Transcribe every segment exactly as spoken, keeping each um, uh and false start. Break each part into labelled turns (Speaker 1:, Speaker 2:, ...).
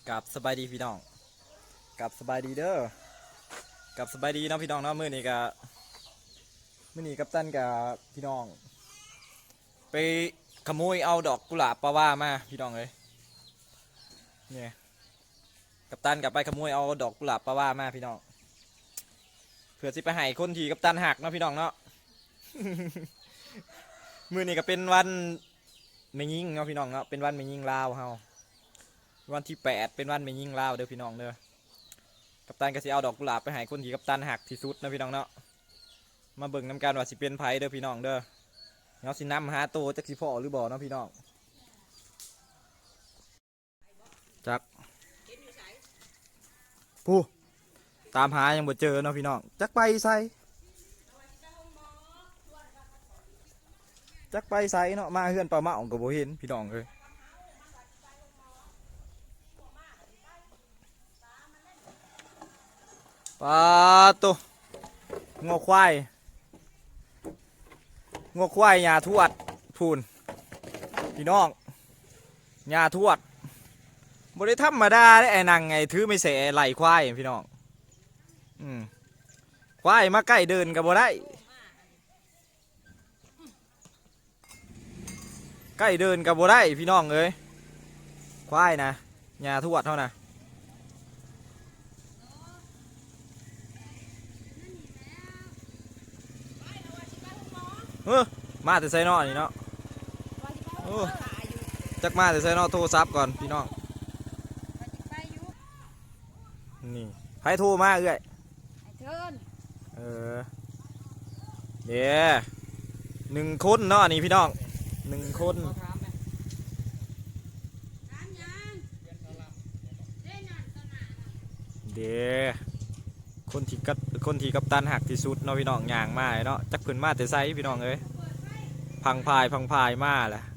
Speaker 1: กับสบายดีพี่น้องกับสบายดีเด้อกับสบายดีเนาะพี่น้องเนาะมื้อนี้กับมื้อนี้กับตันกับพี่น้องไปขโมยเอาดอกกุหลาบปลาว่ามาพี่น้องเลยเนี่ยกับตันกับไปขโมยเอาดอกกุหลาบปลาว่ามาพี่น้องเพื่อสิไปให้คนที่กับตันหักเนาะพี่น้องเนาะ มื้อนี้ก็เป็นวันแม่ยิ่งเนาะพี่น้องเนาะเป็นวันแม่ยิ่งลาวเฮาวันที่แปดเป็นวันแม่ยิ่งลาวเด้อพี่น้องเด้อกัปตันก็สิเอาดอกกุหลาบไปให้คนที่กัปตันหักที่สุดนะพี่น้องเนาะมาเบิ่งน้ำกันว่าสิเป็นไผเด้อพี่น้องเด้อเนาะสินำหาโตจักสิพ่อหรือบ่เนาะพี่น้องจักผู้ตามหายังบ่เจอเนาะพี่น้องจักไปใส่จักไปใส่เนาะมาเฮือนปลาเมาก็บ่เห็นพี่น้องเอ้ยปลาตัวงอควายงอควายหญ้าทวดพูนพี่น้องหญ้าทวดบริธรรมดาได้ไอ้นางไงถือไม่เสไหลควายพี่น้องอืมควายมาใกล้เดินกับบ่ได้ใกล้เดินกับบ่ได้พี่น้องเอ้ยควายนะหญ้าทวดเท่านะเออมาแต่ใส่นอนี่เนาะโอ้จักมาแต่ใส่นอโทรศัพท์ก่อนพี่น้องนี่ใครโทรมาเอ้ยเออเดี๋ยวหนึ่งคนเนาะนี่พี่น้องหนึ่งคนเดี๋ยวคนที่กัดคนที่กัปตันหักที่สุดเนาะพี่น้องย่างมาเนาะจักเพิ่นมาแต่ไซพี่น้องเอ้ยพังพายพังพายมาแหละ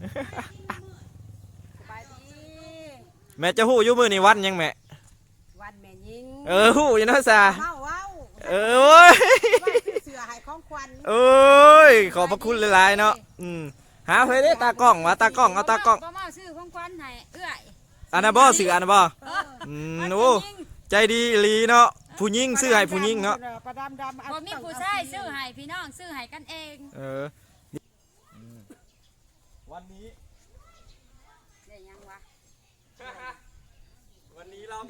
Speaker 1: แม่จะหู้อยู่มือนี่วันยังแม่
Speaker 2: วันแม่ยิง
Speaker 1: เออหู้อยู่เนาะซา
Speaker 2: เมาเว้า
Speaker 1: เออโอ้ย
Speaker 2: เสือหายของควัน
Speaker 1: เอ้ยขอบพระคุณหลายๆเนาะอืมหาเพื่อได้ตากล้องมาตากล้องเอาตากล้อง
Speaker 2: บ่มาซื้อของควันให้เอื้อย
Speaker 1: อันนั้นบ่ซื้ออันนั้นบ่อืมโอ้ใจดีลีเนาะผู้หญิงซื้อให้ผู้หญิงเนาะ
Speaker 2: บ่มีผู้ชายซื้อให้พี่น้องซื้อให้กันเอง
Speaker 1: เออวันนี้
Speaker 2: ได้ยังวะ
Speaker 1: วันนี้เรา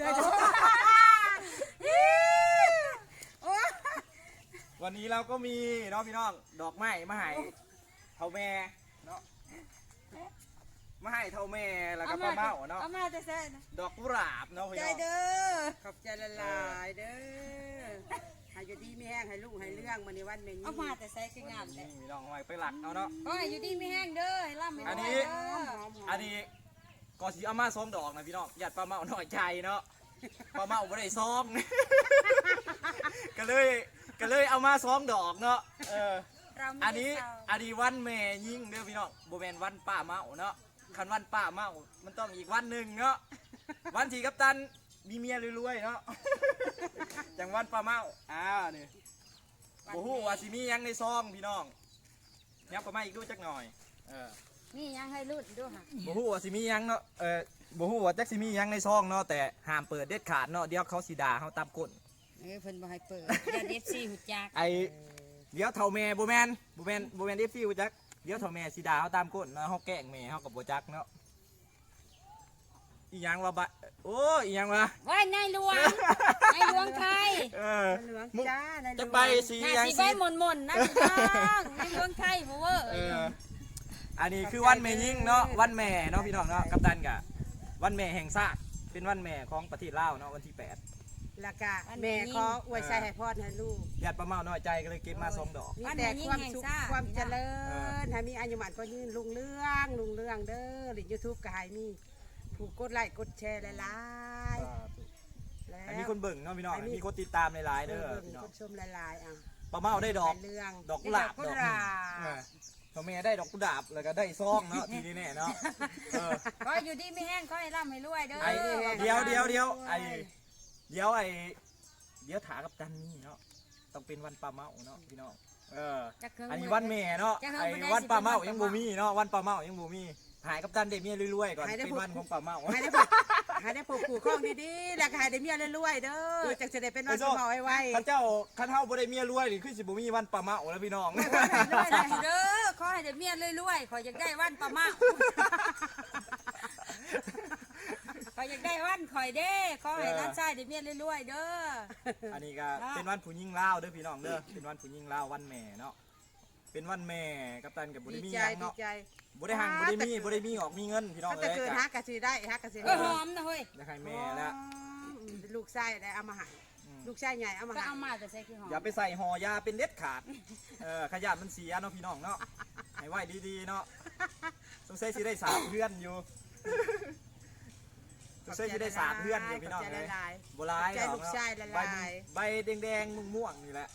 Speaker 1: วันนี้เราก็มีเนาะพี่น้องดอกไม้มาให้เท่าแม่เนาะมาให้เท่าแม่แล้วก็ป้าเมาเนาะ
Speaker 2: เอามาจะแซ่
Speaker 1: ดอกกุหลาบเนาะพี่น้อง
Speaker 2: ใจเด้อขอบใจละลายเด้อให้อยู่ดีไม่แห้งให้ลูกให้เรื่องมันในวันแม่ยิงเอามาแต่แซ่คืองามแหละ
Speaker 1: พี่น้องเอาไว้ไปหลักเอาเนาะ
Speaker 2: ก็ให้อยู่ดีไม่แห้งเด้อให้ร่ำให้รวย
Speaker 1: อันนี้อันนี้ก่อนสีเอามาซ้อมดอกนะพี่น้องหยัดป้าเมาหน่อยใจเนาะป้าเมาไม่ได้ซ้อมก็เลยก็เลยเอามาซ้อมดอกเนาะเอออันนี้อันนี้วันแม่ยิ่งเด้อพี่น้องโบแมนวันป้าเมาเนาะคันวันป้าเมามันต้องอีกวันหนึ่งเนาะวันที่กัปตันมีเมียรวยๆเนาะจังวันป้าเมาอ้าวนี่โอ้โหว่าสิมียังในซองพี่น้องยับป้าเมาอีกด้วยจักหน่อยเออ
Speaker 2: มียังให้รุ่นด้วยค่ะ
Speaker 1: โอ้โหว่าสิมียังเนาะเออโอ้โหว่าจักสิมียังในซองเนาะแต่ห้ามเปิดเด็ดขาดเนาะเดี๋ยวเขาสีด่าเขาตามกฎ
Speaker 2: เออเพิ่นบ่ให้เปิดอย่าเดฟซีหุ่จัก
Speaker 1: ไอเดี๋ยวเท่าแม่โบแมนโบแมนโบแมนเดฟซีหุ่จักเดี๋ยวเท่าแม่สีด่าเขาตามกฎเนาะเขาแกล้งแม่เขากับโบจักเนาะอีหยังวะบะโอ้อีหยังวะ
Speaker 2: ว่านายหลวงนายหลวงไทย
Speaker 1: เออ
Speaker 2: หลวงจ้านายหลวง
Speaker 1: จะไปสียัง
Speaker 2: สีใบหม่นหม่นนะพี่น้องนายหลวงไทยโมเวอร์
Speaker 1: เอออันนี้คือวันแม่ยิ่งเนาะวันแม่เนาะพี่น้องเนาะกัปตันกะวันแม่แห่งชาติเป็นวันแม่ของประเทศลาวเนาะวันที่แปด
Speaker 2: แล้วก็แม่ขออวยชัยให้พ่อให้ลูก
Speaker 1: ญาติป้าเมาน้อยใจก็เลยเก็บมาสองดอก
Speaker 2: มีแต่ความสุขความเจริญให้มีอายุมันก็ยืนลุงเรื่องลุงเรื่องเด้อหรือยูทูบก็ให้มีผู้กดไลค์กดแชร์หลายๆ
Speaker 1: แล้วมีคนเบิ่งเนาะพี่น้องมีคนติดตามหลายๆเด้อพี่น้อง
Speaker 2: คนชมหลายๆอ่ะ
Speaker 1: ป้าเมาได้ดอกดอกกุหลาบดอกพ่อแม่ได้ดอกกุหลาบแล้วก็ได้ซองเนาะทีนี้เนี่ยเนาะ
Speaker 2: ก็อยู่ดีไม่แห้งก็ให้ร่ำให้รวยเด้อ
Speaker 1: เดี๋ยวเดี๋ยวเดี๋ยวไอเดี๋ยวไอเดี๋ยวถากับตันนี่เนาะต้องเป็นวันป้าเมาเนาะพี่น้องเอออันนี้วันแม่เนาะไอวันป้าเมายังบูมีเนาะวันป้าเมายังบูมีหายกับตันเดเมียรวยๆก่อนเป็นวันของป่าเมา
Speaker 2: ให้ได้ผูกให้ได้ผูกขู่ข้องดีๆแล้วก็ให้ได้เมียรวยๆเด้อจังจะได้เป็นวันสมอไว้
Speaker 1: ข้าเจ้าข้าเท่าบ่ได้เมียรวยนี่คือสิบ่มีวันป่าเมาแล้วพี่น้อง
Speaker 3: เด้อขอให้ได้เมียรวยๆขออยากได้วันประมาณขออยากได้วันข่อยเด้ขอให้ร้านชายได้เมียรวยๆเด้อ
Speaker 1: อันนี้ก็เป็นวันผู้หญิงลาวเด้อพี่น้องเด้อเป็นวันผู้หญิงลาววันแม่เนาะเป็นวันแม่กับตันกับบ่
Speaker 2: ดี
Speaker 1: ได้มี
Speaker 2: ใจ
Speaker 1: หยัง
Speaker 2: ดี
Speaker 1: เนาะ
Speaker 2: ใจ
Speaker 1: บ่ได้หังบ่ได้มีบ่ได้มีออกมีเงินพี่น้อง
Speaker 2: ถ้าแต่
Speaker 1: เอ้ย
Speaker 2: เกิด
Speaker 1: ก็
Speaker 2: ฮักกะสิได้ฮักกะสิ
Speaker 3: เอ
Speaker 2: ได้
Speaker 3: อหอมนะเฮ้ย
Speaker 1: อยากให้แม่แล้ว
Speaker 2: ลูกชายได้เอามาให้ลูกชายใหญ่เอามา
Speaker 3: ก็
Speaker 2: ให้
Speaker 3: เอามาแต่ใส่คือหอม
Speaker 1: อย่าไปใส่ห่อยาเป็นเด็ดขาดเออขยะมันเสียเนาะพี่น้องเนาะให้ไว้ดีๆเนาะสงสัยสิได้สามเพื่อนอยู่สงสัยสิได้สามเพื่อนอยู่พี่น้อง
Speaker 2: ขบใจ
Speaker 1: เลย
Speaker 2: หลาย
Speaker 1: โบราณ
Speaker 2: ใจลูกชายละลาย
Speaker 1: ใบแดงๆม่วงๆนี่แหละ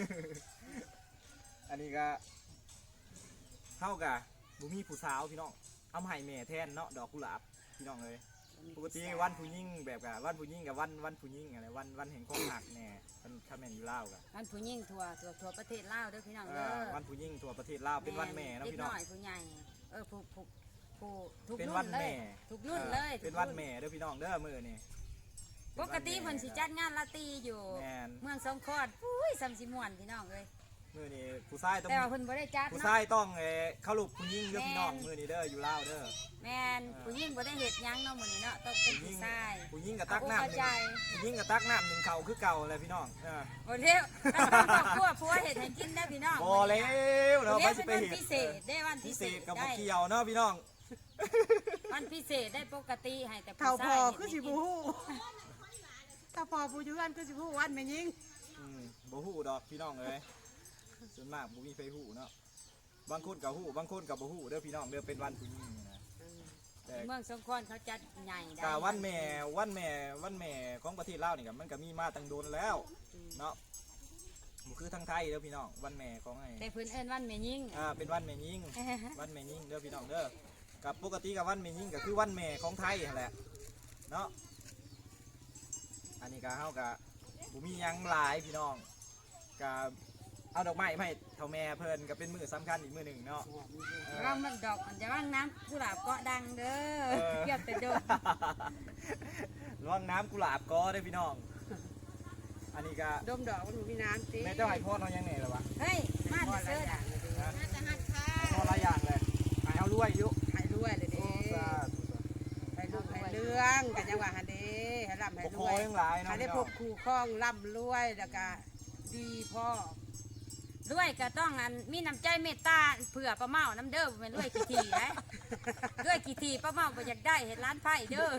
Speaker 1: อันนี้ก็เท่ากับบุมีผู้สาวพี่น้องเอามาให้แม่แทนเนาะดอกกุหลาบพี่น้องเลยปกติวันผู้ยิ่งแบบกับวันผู้ยิ่งกับวันวันผู้ยิ่งอะไรวันวันแห่งความหักแน่มันถ้าแม่นอยู่ลาวกัน
Speaker 3: วันผู้หญิงทั่วทั่วทั่วประเทศลาวเด้อพี่น้องเด้อ
Speaker 1: วันผู้ยิ่งทั่วประเทศลาวเป็นวันแม่เนาะ
Speaker 3: เด็ก
Speaker 1: พี่น้อง
Speaker 3: น้อยผู้ใหญ่เออผู้ผู้ผู้ทุก
Speaker 1: เป็น
Speaker 3: รุ่
Speaker 1: วัน น
Speaker 3: เล
Speaker 1: แม่
Speaker 3: ยทุกรุ่นเลย
Speaker 1: เป็นวันแม่เด้อพี่น้องเด้อมื้อนี่
Speaker 3: ปกติเพิ่นสิจัดงานลาตรีอยู่
Speaker 1: แม่น
Speaker 3: เมืองสงขลาอุ้ยซ้ำสิม่วนพี่น้องเอ้ย
Speaker 1: มื้อนี้ผู้ชายต้อง
Speaker 3: แต่ว่าเพิ่นบ่ได้จัด
Speaker 1: ผู้
Speaker 3: เนาะ
Speaker 1: ชายต้องเอ่อเข้าลูกผู้ยิ่งเด้อพี่น้อง
Speaker 3: แม่น
Speaker 1: มื้อนี้เด้ออยู่ลาวเด้อ
Speaker 3: แม่นผู้หญิงบ่ได้เฮ็ดหยังเนาะมื้อนี้เนาะต้องเป็น
Speaker 1: ผู้
Speaker 3: ผู้
Speaker 1: ยิ่ง
Speaker 3: ชาย
Speaker 1: ผู้ยิ่งกับตักน้ำห
Speaker 3: เข้า
Speaker 1: นึ่ง
Speaker 3: ใจ
Speaker 1: ผู้ยิ่งกับตักน้ำหนึ่งเข่าคือเก่าเลยพี่น้องเออ
Speaker 3: บ่เร็วถ้าต้องครอบครัวผัวเฮ็ดให้กินได้อพี่น้อง
Speaker 1: บ่แล้วเรา
Speaker 3: เดี๋
Speaker 1: ไป
Speaker 3: ยว
Speaker 1: สิ
Speaker 3: เป็น
Speaker 1: ไป
Speaker 3: วัน
Speaker 1: เห็น
Speaker 3: พิเศษได้วัน
Speaker 1: พิ
Speaker 3: พิ
Speaker 1: เศ
Speaker 3: เศ
Speaker 1: ษ
Speaker 3: ษ
Speaker 1: กับบ่
Speaker 3: ได้
Speaker 1: เกี่ยวเนาะพี่น้อง
Speaker 3: วันพิเศษได้ปกติให้แต่
Speaker 2: เท่า
Speaker 3: ผู้
Speaker 2: พ
Speaker 3: ชา
Speaker 2: อย คือสิ
Speaker 3: เฮ็ด
Speaker 2: บู
Speaker 3: ให้กิน
Speaker 2: ฮู้ถ้าพอผู้อยืนคือสิบูฮู้วันแม่ยิง
Speaker 1: อืมบ่ฮู้ดอกพี่น้องเอ้ยส่วนมากบ่มีไผฮู้เนาะบางคนก็ฮู้บางคนก็บ่ฮู้เด้อพี่น้องเด้อเป็นวันผู้ยิ่งนี่นะแต่
Speaker 3: เมืองสงขลาเขาจัดใหญ่ได้
Speaker 1: กาวันแม่วันแม่วันแม่ของประเทศลาวนี่ก็มันก็มีมาตั้งโดนแล้วเนาะบ่คือทางไทยเด้อพี่น้องวันแม่ของไอ้
Speaker 3: แต่เพิ่นเอิ้นวันแม่ยิ่ง
Speaker 1: อ่าเป็นวันแม่ยิ่ง วันแม่ยิ่งเด้อพี่น้องเด้อกับปกติกับวันแม่ยิ่งก็คือวันแม่ของไทยนั่นแหละเนาะอันนี้ก็เฮาก็บ่มีหยังหลายพี่น้องก็เอาดอกไม้มาให้เฒ่าแม่เพิ่นก็เป็นมื้อสำคัญอีกมื้อหนึงเนาะเออ
Speaker 3: ร่างมันดอกมันจะว่างน้ำกุหลาบเกาะดังเด้อ
Speaker 1: เออ
Speaker 3: เกียบแต่โดด
Speaker 1: ระวังน้ำกุหลาบก็ได้อพี่น้อง อันนี้ก็
Speaker 2: ดมดอกมันบ่มีน้ำสิ
Speaker 1: แม่เจ้าให้พ่อเรายังไงล่ะวะ
Speaker 3: เฮ้ยมา
Speaker 2: พอ
Speaker 3: เด้
Speaker 2: หลา
Speaker 3: อย เด้
Speaker 2: อ
Speaker 3: อย่าง
Speaker 2: เลยเด้อ
Speaker 3: น่าจะหัดค่ะ
Speaker 1: พ่อหลายอย่างเลยให้เอารวยอยู่
Speaker 2: ให้รวยเลยเด้
Speaker 1: สาธุ
Speaker 2: ให้ลูกให้เรื่องกันยังว่าหันเด้ให้ร่ำให้
Speaker 1: ปก
Speaker 2: ร
Speaker 1: คร
Speaker 2: ว
Speaker 1: อง
Speaker 2: ย
Speaker 1: ยังหลายเนาะ
Speaker 2: ให้ได้
Speaker 1: พี่
Speaker 2: พ
Speaker 1: น้
Speaker 2: บ
Speaker 1: อง
Speaker 2: คู่ครองร่ำรวยแล้วก็ดีพ่อ
Speaker 3: ด้วยก็ต้องอันมีน้ำใจเมตตาเผื่อป้าเมาน้ำเด้อบ่แม่นด้วยกี่ทีนะด้วยกี่ทีป้าเมาบ่อยากได้เห็นร้านไผ่เด้อ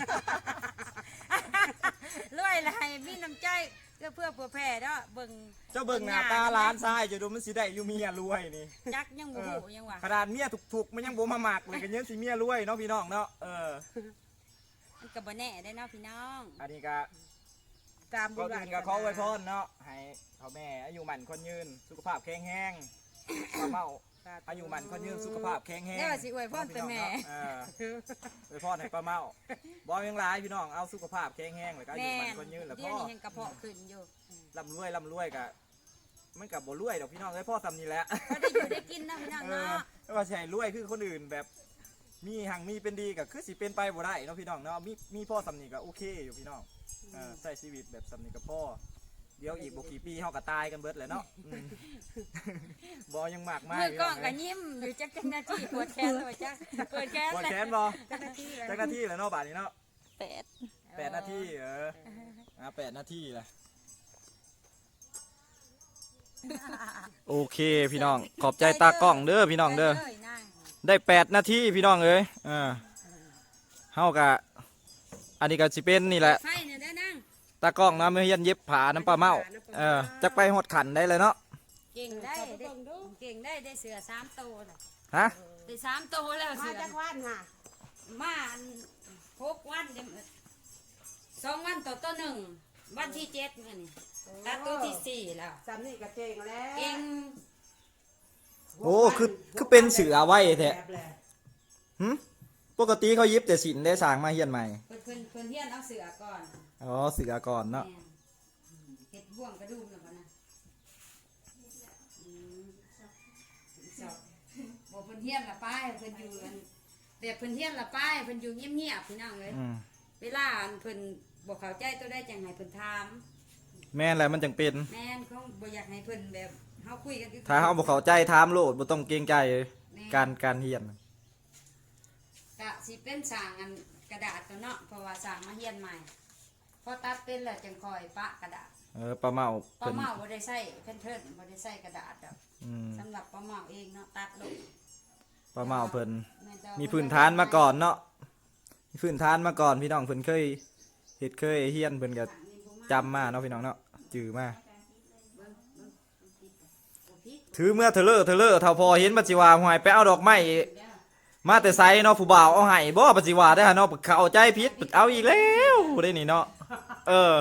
Speaker 3: รวยอะไรมีน้ำใจเพื่อเพื่อเผื่อแผ่เนาะเบิ่ง
Speaker 1: เจ้าเบิ่งหน้าตาร้านทรายจะดูมันสิได้อยู่เมียรวยนี่
Speaker 3: จักยังบ่ฮู้ยังว่า
Speaker 1: ขนาดเมียถูกๆมันยังบ่มาหมักเลยกันยังสิเมียรวยเนาะพี่น้องเนาะเออ
Speaker 3: มันก็บ่แน่ได้เนาะพี่น้อง
Speaker 1: อันนี้ก็
Speaker 2: ตามบุ
Speaker 1: ก็
Speaker 2: ญ
Speaker 1: อื่นก็ขอไว้พรเนาะให้พ่อแม่อายุหมันคนยืนสุขภาพแข็งแรงป้าเมาอายุหมันคนยืนสุขภาพแข็งแรง
Speaker 3: เดี๋ยวสิอวยพรแต่แม่
Speaker 1: เอออวยพรให้ป้าเมาบ่ยังหลายพี่น้องเอาสุขภาพแข็งแรงแล้วก็อายุ
Speaker 3: แม่
Speaker 1: หมัน
Speaker 3: น
Speaker 1: คนยืนแล้ว
Speaker 3: เดี๋
Speaker 1: พ่
Speaker 3: ยว
Speaker 1: อ
Speaker 3: นี้ยังกระเพาะขึ้นอยู่
Speaker 1: ร่ำรวยร่ำรวยกะมันกับบ่รวยดอกพี่น้องเอ้ยพ่อทำนี่แหละ
Speaker 3: ก็ได้อยู่ได้กินนะพี่น้อง
Speaker 1: เออ
Speaker 3: เนาะ
Speaker 1: ไม่ว่าสิใช่รวยคือคนอื่นแบบมีหังมีเป็นดีก็คือสิเป็นไปบ่ได้เนาะพี่น้องเนาะมีมีพ่อสำนีก็โอเคอยู่พี่น้องเออใช้ชีวิตแบบสำนีกับพ่อเดี๋ยวอีกบ่กี่ปีเฮาก็ตายกันเบิดแหละเนาะอืม บ่ยังมากมาย
Speaker 3: มือ
Speaker 1: พี่
Speaker 3: กล้
Speaker 1: น้
Speaker 3: อ
Speaker 1: อง ง
Speaker 3: ก็
Speaker 1: เอ้ย
Speaker 3: ยิ้มอยู่จักจังนาทีปวดแขนเลยจ้ะปวดแขน
Speaker 1: ปวด
Speaker 3: เลย
Speaker 1: แขนบ่
Speaker 2: จักรที่
Speaker 1: จักนาทีแหล้วเนาะบาดนี้เนาะ
Speaker 3: แปด
Speaker 1: แปดนาทีเอออ่ะแปดนาทีแหละโอเคพี่น้องขอบใจตากล้องเด้อพี่น้องเด้อ
Speaker 3: ยนั่ง
Speaker 1: ได้แปดนาทีพี่น้องเอ้ยอ่าเฮากะอันนี้ก็สิเป็นนี่แหละ
Speaker 3: ไฟเนี่ยได้นั่ง
Speaker 1: ตากล้องน้ำเฮียนเย็บผ้าน้ำปลาเมาเออจักไปหดขันได้เลยเนาะ
Speaker 3: เก่งได้ได้เก่งได้ได้เสือสามโตวน่ะ
Speaker 1: ฮะ
Speaker 3: ได้สามโตวแล้ว
Speaker 2: มา
Speaker 3: เสือ
Speaker 2: จากวันค่ะ
Speaker 3: มาอันหกวันเดี๋ยวสองวันต่อตัวหนึ่งวันที่เจ็ดเนี่ยนี่ตัดตัวที่สี่แล้ว
Speaker 2: สามนี่ก็เจงแล้ว
Speaker 3: เก่ง
Speaker 1: โอ้คือคือเป็นเสือไว้แท้
Speaker 2: แบบแหละ
Speaker 1: หึปกติเขาเย็บแต่สินได้สร้างมาเฮียนใหม่
Speaker 3: เพิ่นเพิ่นเพิ่นเฮียนเอาเสือก่อน
Speaker 1: อ๋อเสือก่อนเนาะ
Speaker 3: แม่นเฮ็ดบ่วงกระดุมแล้วบ่นะอืมสอบบ่เพิ่นเฮียนละป้ายเพิ่นอยู่อันแบบเพิ่นเฮียนละป้ายเพิ่นอยู่เงียบๆพี่น้องเอ้ย
Speaker 1: อืม
Speaker 3: เวลาเพิ่นบ่เข้าใจตัวได้จังให้เพิ่นถาม
Speaker 1: แม่นแหละมันจังเป็น
Speaker 3: แม่นเขาบ่อยากให้เพิ่นแบบเฮาคุยกันคือ
Speaker 1: ถ้าเฮาบ่เข้าใจถามโลดบ่ต้องเกรงใจการการเรียน
Speaker 3: ก็สิเป็นสร้างอันกระดาษตัวเนาะเพราะว่าสร้างมาเฮียนใหม่พอตัดเป็นแล้วจังค่อยปะกระดาษ
Speaker 1: เออป้าเมา
Speaker 3: ป้า
Speaker 1: เพิ่น
Speaker 3: เมาบ่ได้ใช้เพิ่นเพิ่นบ่ได้ใช้กระดาษดอก
Speaker 1: อืม
Speaker 3: สำหรับป้าเมาเองเนาะตัดลง
Speaker 1: ป้าเมาเพิ่น
Speaker 3: แม่นแต่
Speaker 1: มีพื้นฐานมาก่อนเนาะมีพื้นฐานมาก่อนพี่น้องเพิ่นเคยเฮ็ดเคยเฮียนเพิ่นก็จำมาเนาะพี่น้องเนาะจื้อมาถือเมื่อเทเลอร์เทเลอร์เท่าพอเห็นปัจจิวาหวยไปเอาดอกไม้มาแต่ไซเนาะผู้บ่าวเอาให้บ่ปัจจิวาได้อเนาะเข้าใจผิดเอาอีกแล้วได้นี่เนาะเออ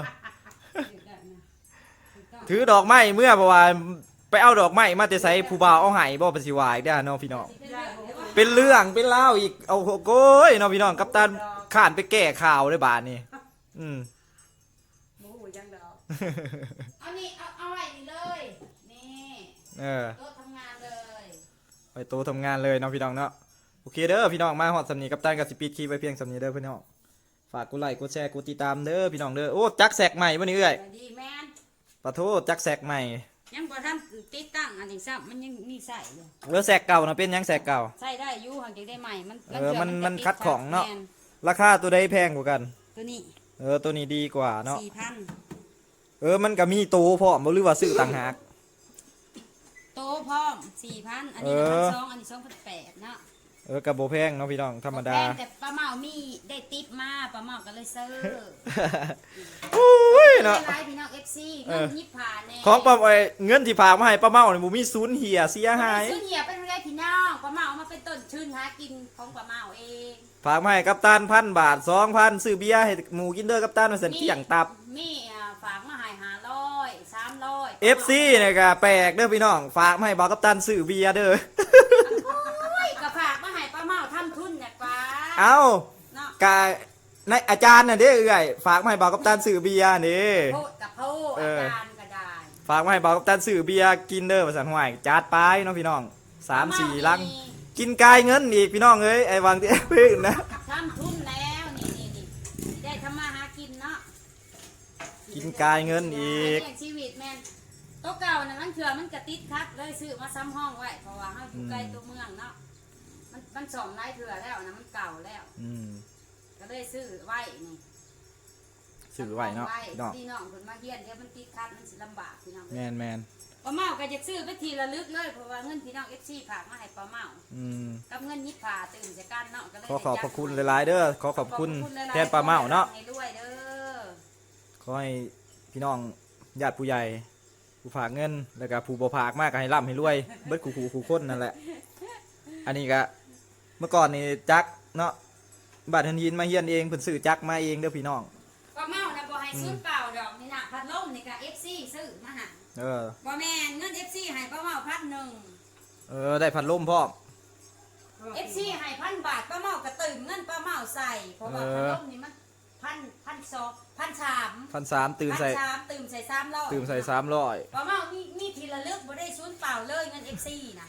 Speaker 1: ถือดอกไม้เมื่อเพราะว่าไปเอาดอกไม้มาแต่ไซผู้บ่าวเอาให้บ่ปัจจิวาอีกได้อเนาะพี่น้องเป็นเรื่องเป็นเล่าวอีกเอาโก้ยเนาะพี่น้องกัปตันข้านไปแก้ข่าวเลยบาดนี้อืม
Speaker 2: หมูหูยังดอก
Speaker 3: เอานี่เอาเอาไว้นี่เลยนี่
Speaker 1: เออ
Speaker 3: โต๊ะทำงานเลย
Speaker 1: ไปโตทำงานเลยเนาะพี่น้องเนาะโอเคเด้อพี่น้องมาฮอดสำนีกัปตันกับสิปีดคลิปไปเพียงสำนีเด้อพี่น้องฝากกดไลค์กดแชร์กดติดตามเด้อพี่น้องเด้อโอ้จักแสกใหม่บ่นี่เอ้ย
Speaker 3: สวัสดีแม่น
Speaker 1: ปะโทจักแสกใหม่
Speaker 3: ยังบ่ทันติดตั้งอันนี้ซ้ำมันยังมีใส่อยู่
Speaker 1: เออแสกเก่านะเป็นหยังแสกเก่า
Speaker 3: ใส่ได้อยู่ห่างจากได้ใหม่มัน
Speaker 1: เออมันมัน
Speaker 3: จะติ
Speaker 1: คัดของเนาะ
Speaker 3: แม่
Speaker 1: ราคาตัวใดแพงกว่ากัน
Speaker 3: ตัวนี้
Speaker 1: เออตัวนี้ดีกว่าเนาะ
Speaker 3: สี่พัน
Speaker 1: เออมันก็มีโตพร้อมบ่หรือว่าซื้อต่างหาก
Speaker 3: โต๊ะพร้อมสี่พันอันนี้
Speaker 1: เอ
Speaker 3: พั
Speaker 1: อ
Speaker 3: นสองอันนี้สองพันแปดเนาะ
Speaker 1: เออกับโบแพงเนาะพี่น้องธรรมดา
Speaker 3: แพงแต่ป้าเมามีได้ติปมาป้าเมาก็เลยซื้อ
Speaker 1: โอ้ยเนาะ
Speaker 3: ไลฟ์พี่น้อง เอฟ ซี
Speaker 1: เอ
Speaker 3: เงิ
Speaker 1: อ
Speaker 3: นยิบผ่านแน่
Speaker 1: ของป้าไอ้เงินที่ฝากมาให้ป้าเมาเนี่ยบ่มีศูนย์เหียเสียหาย
Speaker 3: ซื้อเหี่ยเป็นไรพี่น้องป้าเมาเอามาเป็นต้นชื่นหากินของป้าเมาเอง
Speaker 1: ฝากมาให้กัปตันพันบาทสองพันซื้อเบียร์ให้หมูกินเด้อกัปตันมาเสันเที่ยงตับ
Speaker 3: มีอ่าฝากมาให้ห้าร้อยสามร้อย
Speaker 1: เอฟซีเนี่ยก็แปลกเด้อพี่น้องฝากมาให้บอกกัปตันซื้อเบียร์เด้อ
Speaker 3: โอ้ยก็ฝากมาให้ป้าเมาทำทุนเนี่ยกว่า
Speaker 1: เอ้า
Speaker 3: เนาะ
Speaker 1: กาในอาจารย์น่ะเด้อเอ้ยฝากมาให้บอกกัปตันซื้อเบียร์นี่
Speaker 3: โพดกับโพด
Speaker 1: เอ
Speaker 3: อา
Speaker 1: อ
Speaker 3: จารย์ก็ได้
Speaker 1: ฝากมาให้บอกกัปตันซื้อเบียร์กินเด้อมาสั่นห่วยจัดไปเนาะพี่น้องสามสี่ลังกินกายเงินอีกพี่น้องเอ้ยไอ้วางที่พึ่งนะ
Speaker 3: ทำทุนแล้วนี่นี่นี่ได้ทำมาหากินเนาะ
Speaker 1: กินกายเงินอีก
Speaker 3: เลี้ยงชีวิตแม่นโต๊ะเก่าน่ะมันเถื่อมันกระติดคัดเลยซื้อมาซ้ำห้องไว้เพราะว่าเฮาอยู่ใกล้ตัวเมืองเนาะมันมันสองไร่เถื่อแล้วนะมันเก่าแล้ว
Speaker 1: อืม
Speaker 3: ก็เลยซื้อไว้นี่
Speaker 1: ซื้อไว้เนาะพี่น้อง
Speaker 3: พี่น้องคนมาเฮียนเดี๋ยวมันติดคัดมันสิลำบากพี่น้อง
Speaker 1: แมนแมน
Speaker 3: ป้าเมาก็จะซื้อไปทีละลึกเลยเพราะว่าเงินพี่น้อง เอฟ ซี ฝากมาให้ป้าเมา
Speaker 1: อืม
Speaker 3: กับเงินยิบผ่าตื่นจากการเนาะก็เลย
Speaker 1: ขอขอบพ
Speaker 3: ได้
Speaker 1: ระคุณ
Speaker 3: ยัด
Speaker 1: หลายๆเด้อขอขอบคุณ
Speaker 3: ขหลยๆ
Speaker 1: แทนป้าเมาเนาะ
Speaker 3: ให้ด้วยเด้อ
Speaker 1: ขอให้พี่น้องญาติผู้ใหญ่ผู้ฝากเงินแล้วก็ผู้บ่ฝากมากก็ให้ร่ำให้รวยเบิดขู่ขู่ขู่คนนั่นแหละ อันนี้ก็เมื่อก่อนนี่จักเนาะบัตรทันยินมาเฮียนเองเพิ่นซื้อจักมาเองเด้อพี่น้อง
Speaker 3: ป้าเมานะบ่ให้ซื้อเปล่าดอกนี่นะพัดลมนี่ก็ เอฟ ซี ซื้อมาให้
Speaker 1: เออ
Speaker 3: บ่แม่นเงิน เอฟ ซี ให้ป้าเมาพันหนึ่ง
Speaker 1: เออได้พัดลมพร้อม
Speaker 3: เอฟ ซี ให้พันบาทป้าเมาก็ตื่นเงินป้าเมาใส่เพราะว่า
Speaker 1: เอ
Speaker 3: พัด
Speaker 1: อ
Speaker 3: ลมนี่มันพันพันสองพันสาม
Speaker 1: พันสามตื่นใส่
Speaker 3: พันสามตื่นใส่สามร้อย
Speaker 1: ตื่นใส่สามร้อย
Speaker 3: ป้าเมามีมีทีละลึกบ่ได้ศูนย์เปล่าเลยเงิน เอฟ ซี นะ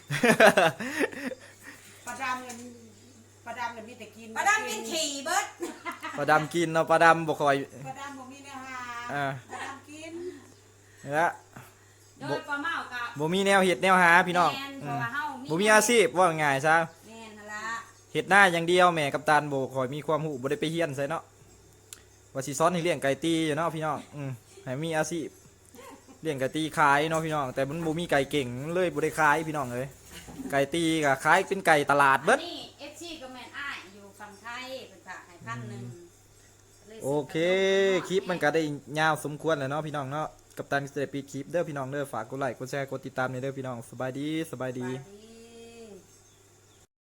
Speaker 2: ประดามเงินประดามเงินมีแต่กิน
Speaker 3: ป้าดำเป็นขี่เบิด
Speaker 1: ปลาดำกินเนาะปลาดำบ่คอย
Speaker 2: ประดามบ่มีเนื้อหา
Speaker 1: อ่า
Speaker 2: ประดามกิน
Speaker 1: เนี่ย
Speaker 3: โดยป้าเมากับ
Speaker 1: บ่มีแนวเฮ็ดแนวหาพี่น้อง
Speaker 3: แม่น
Speaker 1: อื
Speaker 3: เพราะ
Speaker 1: ม
Speaker 3: ว่าเฮา
Speaker 1: บ่มีอาชีพว่าง่ายซะ
Speaker 3: แม่นนั่นละ
Speaker 1: เฮ็ดหน้าอย่างเดียวแม่กัปตันบ่คอยมีความรู้บ่ได้ไปเฮียนใส่เนาะว่าสิสอนให้เลี้ยงไก่ตีอยู่เนาะพี่น้องอืมให้มีอาชีพเลี้ยงไก่ตีขายเนาะพี่น้องแต่มันบ่มีไก่เก่งเลยบ่ได้ขายพี่น้องเอ้ยไก่ตีก็ขายเป็นไก่ตลาดเบิด
Speaker 3: อันนี่ เอฟ ซี ก็แม่นอ้ายอยู่ฝั่งไทยเป็นฝากให้พันหนึ่งลย
Speaker 1: โอเคคลิปมันก็ได้ยาวสมควรแล้วเนาะพี่น้องเนาะกัปตันก็จะได้ปิดคลิปเด้อพี่น้องเด้อฝากกดไลค์กดแชร์กดติดตามในเด้อพี่น้องสบายดีสบายดี
Speaker 3: สบายดี